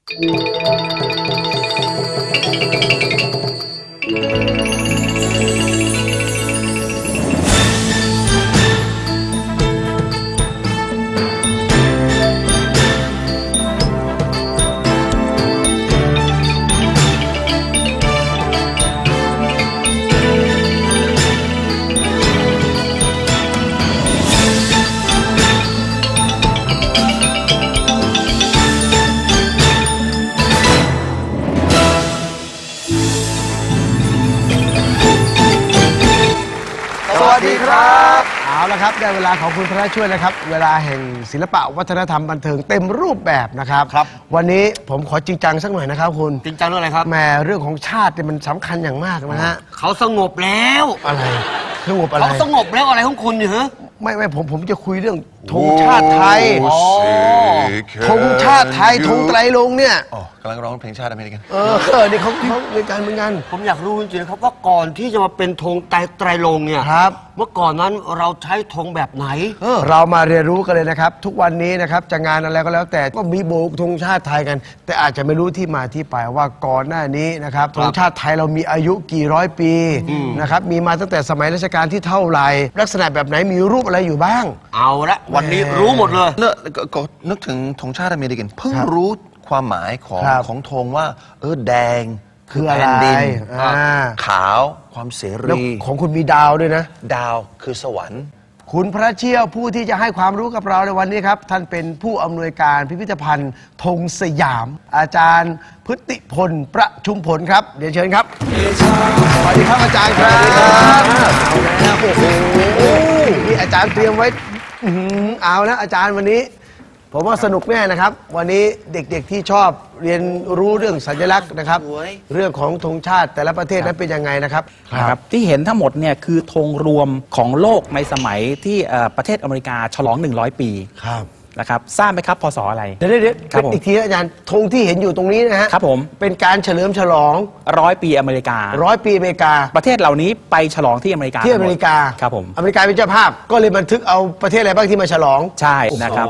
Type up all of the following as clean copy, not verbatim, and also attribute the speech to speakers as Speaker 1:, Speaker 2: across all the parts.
Speaker 1: สวัสดีครับเอาละครับได้เวลาของคุณพระช่วยแล้วครับเวลาแห่งศิลปะวัฒนธรรมบันเทิงเต็มรูปแบบนะครับวันนี้ผมขอจริงจังสักหน่อยนะครับคุณ
Speaker 2: จริงจังเรื่องอะไรครับ
Speaker 1: แหมเรื่องของชาติเนี่ยมันสำคัญอย่างมากนะฮะ
Speaker 2: เขาสงบแล้ว
Speaker 1: อะไรสงบอะไร
Speaker 2: เขาสงบแล้วอะไรของคุณเนี่ยฮะ
Speaker 1: ไม่ผมจะคุยเรื่องธงชาติไทยธงชาติไทยธงไตรรงค์เนี่ย
Speaker 3: กำลังร้องเพลงชาติอเมริกัน
Speaker 1: นี่เขาในการเหมือนกัน
Speaker 2: ผมอยากรู้จริงๆครับว่าก่อนที่จะมาเป็นธงไตรรงค์เนี่ย
Speaker 1: ครับ
Speaker 2: เมื่อก่อนนั้นเราใช้ธงแบบไหน
Speaker 1: เรามาเรียนรู้กันเลยนะครับทุกวันนี้นะครับจะงานอะไรก็แล้วแต่ก็มีโบกธงชาติไทยกันแต่อาจจะไม่รู้ที่มาที่ไปว่าก่อนหน้านี้นะครับธงชาติไทยเรามีอายุกี่ร้อยปีนะครับมีมาตั้งแต่สมัยรัชกาลที่เท่าไหร่ลักษณะแบบไหนมีรูปอะไรอยู่บ้าง
Speaker 2: เอาละวันนี้รู้หมดเลย
Speaker 3: ก็นึกถึงธงชาติอเมริกันเพิ่งรู้ความหมายของธงว่าแดง
Speaker 1: คืออะไร
Speaker 3: ขาวความเสรี
Speaker 1: ของคุณมีดาวด้วยนะ
Speaker 3: ดาวคือสวรรค์
Speaker 1: คุณพระเชี่ยวผู้ที่จะให้ความรู้กับเราในวันนี้ครับท่านเป็นผู้อำนวยการพิพิธภัณฑ์ธงสยามอาจารย์พฤติพลประชุมผลครับเดี๋ยวเชิญครับสวัสดีครับอาจารย์ครับเอาแล้วโอ้โหนี่อาจารย์เตรียมไว้เอาแล้วอาจารย์วันนี้ผมว่าสนุกแน่นะครับวันนี้เด็กๆที่ชอบเรียนรู้เรื่องสัญลักษณ์นะครับเรื่องของธงชาติแต่ละประเทศนั้นเป็นยังไงนะครับ
Speaker 4: ที่เห็นทั้งหมดเนี่ยคือธงรวมของโลกในสมัยที่ประเทศอเมริกาฉลอง100 ปีนะครับทราบไหมครับพศอะไร
Speaker 1: เดี๋ยวอีกทีอาจารย์ธงที่เห็นอยู่ตรงนี้นะฮะ
Speaker 4: ครับผม
Speaker 1: เป็นการเฉลิมฉลอง
Speaker 4: 100 ปีอเมริกา
Speaker 1: 100 ปีอเมริกา
Speaker 4: ประเทศเหล่านี้ไปฉลองที่อเมริกาครับผม
Speaker 1: อเมริกาเป็นเจ้าภาพก็เลยบันทึกเอาประเทศอะไรบ้างที่มาฉลอง
Speaker 4: ใช่นะครับ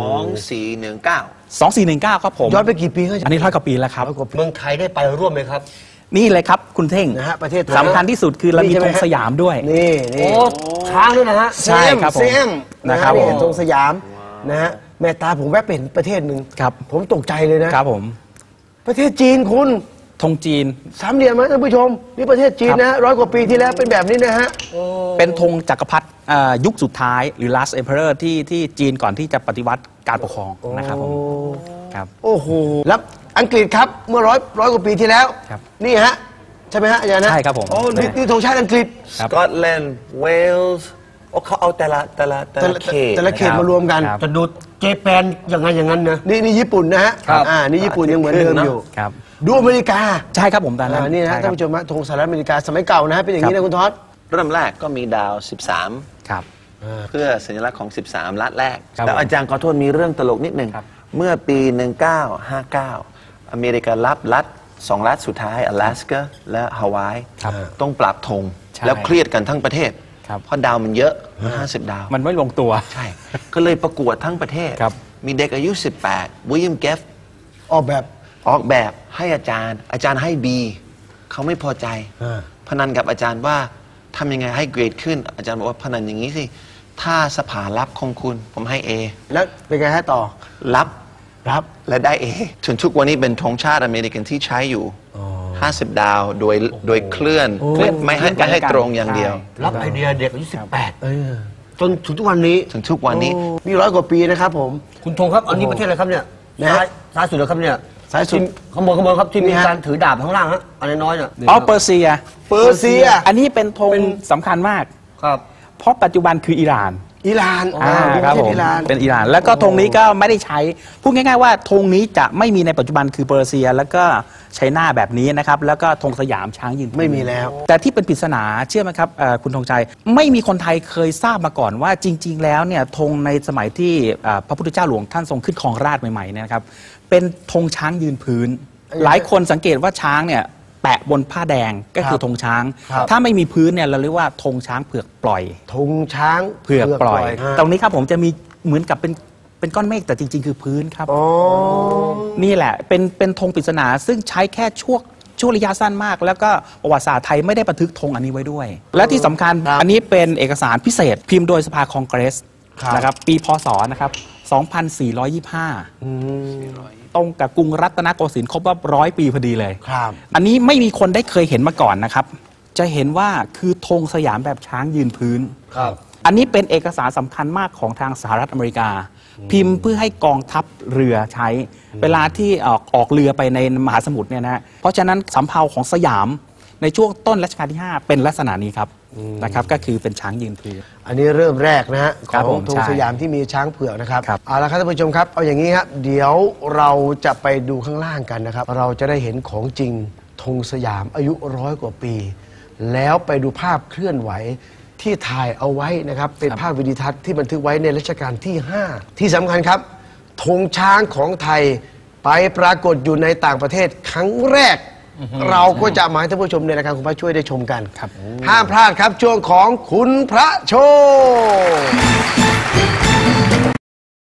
Speaker 4: 2419ครับผม
Speaker 1: ย้อนไปกี่ปีครับ
Speaker 4: อันนี้100 กว่าปีแล้วครับ
Speaker 2: เมืองไทยได้ไปร่วมไหมครับ
Speaker 4: นี่เลยครับคุณเท่ง
Speaker 1: นะฮะประเทศ
Speaker 4: สำคัญที่สุดคือเรามีธงสยามด้วย
Speaker 1: นี่
Speaker 2: ช้างด้วยนะฮะ
Speaker 4: ใช่ครับผม
Speaker 1: นะครับธงสยามนะฮะแม่ตาผมแวะเป็นประเทศหนึ่งผมตกใจเลยนะครับ
Speaker 4: ผม
Speaker 1: ประเทศจีนคุณ
Speaker 4: ธงจีน
Speaker 1: สามเหลี่ยมนะท่านผู้ชมนี่ประเทศจีนนะ100 กว่าปีที่แล้วเป็นแบบนี้นะฮะ
Speaker 4: เป็นธงจักรพรรดิยุคสุดท้ายหรือ last emperor ที่จีนก่อนที่จะปฏิวัติการปกครองนะครับผม
Speaker 1: ครับโอ้โหแล้วอังกฤษครับเมื่อร้อยกว่าปีที่แล้วนี่ฮะใช่ไหมฮะอาจารย์นะ
Speaker 4: ใช่ครับผม
Speaker 1: โอ้นี่ธงชาติอังกฤษ
Speaker 3: สกอตแลนด์เวลส์เขาเอาแต่ละ
Speaker 1: เขตมารวมกัน
Speaker 2: จะดูเจแปนอย่างนั้นนะ
Speaker 1: นี่ญี่ปุ่นนะฮะนี่ญี่ปุ่นยังเหมือนเดิมอยู่ดูอเมริกา
Speaker 4: ใช่ครับผมตอนนั้น
Speaker 1: นี่นะท่านผู้ชมธงสหรัฐอเมริกาสมัยเก่านะเป็นอย่างนี้นะคุณท็อด
Speaker 3: เริ่มแรกก็มีดาว13
Speaker 4: ครับ
Speaker 3: เพื่อสัญลักษณ์ของ13ลัฐแรกแต่อาจารย์ขอโทษมีเรื่องตลกนิดนึงเมื่อปี1959อเมริการับรัฐ2 รัฐสุดท้าย阿拉斯加และฮาวายต้องปรับธงแล้วเครียดกันทั้งประเทศเพราะดาวมันเยอะ50 ดาว
Speaker 4: มันไม่ลงตัว
Speaker 3: ใช่ก็เลยประกวดทั้งประเทศมีเด็กอายุ18วิลเลียมเกฟ
Speaker 1: ออกแบบ
Speaker 3: ให้อาจารย์ให้ B เขาไม่พอใจพนันกับอาจารย์ว่าทำยังไงให้เกรดขึ้นอาจารย์บอกว่าพนันอย่างนี้สิถ้าสภารับของคุณผมให้ A
Speaker 1: แล้วเป็นไงให้ต่อ
Speaker 3: รับและได้ A จนทุกวันนี้เป็นธงชาติอเมริกันที่ใช้อยู่50 ดาวโดยเคลื่อนไม่ให้ตรงอย่างเดียว
Speaker 2: รับไอเดียเด็กอายุ18จนถึงทุกวันนี้
Speaker 1: นี่100 กว่าปีนะครับผม
Speaker 2: คุณธงครับอันนี้ประเทศอะไรครับเนี่ยซ้ายสุดเลยครับเนี่ย
Speaker 1: สายสุด
Speaker 2: ข้างบนครับที่มีการถือดาบข้างล่างฮะอันน้อยเนี่ย
Speaker 4: เปอร์เซียอันนี้เป็นธงสำคัญมาก
Speaker 2: ครับ
Speaker 4: เพราะปัจจุบันคืออิหร่านครับผมเป็นอิหร่านแล้วก็ธงนี้ก็ไม่ได้ใช้พูดง่ายๆว่าธงนี้จะไม่มีในปัจจุบันคือเปอร์เซียแล้วก็ใช้หน้าแบบนี้นะครับแล้วก็ธงสยามช้างยืน
Speaker 1: ไม่มีแล้ว
Speaker 4: แต่ที่เป็นปริศนาเชื่อไหมครับคุณธงชัยไม่มีคนไทยเคยทราบมาก่อนว่าจริงๆแล้วเนี่ยธงในสมัยที่พระพุทธเจ้าหลวงท่านทรงขึ้นครองราชย์ใหม่ๆเนี่ยนะครับเป็นธงช้างยืนพื้นหลายคนสังเกตว่าช้างเนี่ยแปะบนผ้าแดงก็คือธงช้างถ้าไม่มีพื้นเนี่ยเราเรียกว่าธงช้างเผือกปล่อย
Speaker 1: ธงช้าง
Speaker 4: เผือกปล่อยตรงนี้ครับผมจะมีเหมือนกับเป็นเป็นก้อนเมฆแต่จริง ๆ คือพื้นครับนี่แหละเป็นธงปริศนาซึ่งใช้แค่ช่วงระยะสั้นมาก แล้วก็ประวัติศาสตร์ไทยไม่ได้บันทึกธงอันนี้ไว้ด้วย และที่สำคัญอันนี้เป็นเอกสารพิเศษพิมพ์โดยสภาคองเกรสนะครับปีพศนะครับ2425ตรงกับกรุงรัตนโกสินทร์ครบรอบ100 ปีพอดีเลยอันนี้ไม่มีคนได้เคยเห็นมาก่อนนะครับจะเห็นว่าคือธงสยามแบบช้างยืนพื้นอันนี้เป็นเอกสารสำคัญมากของทางสหรัฐอเมริกาพิมพ์เพื่อให้กองทัพเรือใช้เวลาที่ออกเรือไปในมหาสมุทรเนี่ยนะเพราะฉะนั้นสำเภาของสยามในช่วงต้นรัชกาลที่ 5 เป็นลักษณะนี้ครับนะครับก็คือเป็นช้างยืนพื้น
Speaker 1: อันนี้เริ่มแรกนะฮะของธงสยามที่มีช้างเผือกนะครับเอาละครับท่านผู้ชมครับเอาอย่างนี้ครับเดี๋ยวเราจะไปดูข้างล่างกันนะครับเราจะได้เห็นของจริงธงสยามอายุ100 กว่าปีแล้วไปดูภาพเคลื่อนไหวที่ถ่ายเอาไว้นะครับเป็นภาพวิดีทัศน์ที่บันทึกไว้ในรัชกาลที่ 5ที่สำคัญครับธงช้างของไทยไปปรากฏอยู่ในต่างประเทศครั้งแรกเราก็จะมาให้ท่านผู้ชมในรายการคุณพระช่วยได้ชมกันห้ามพลาดครับช่วงของคุณพระโชว์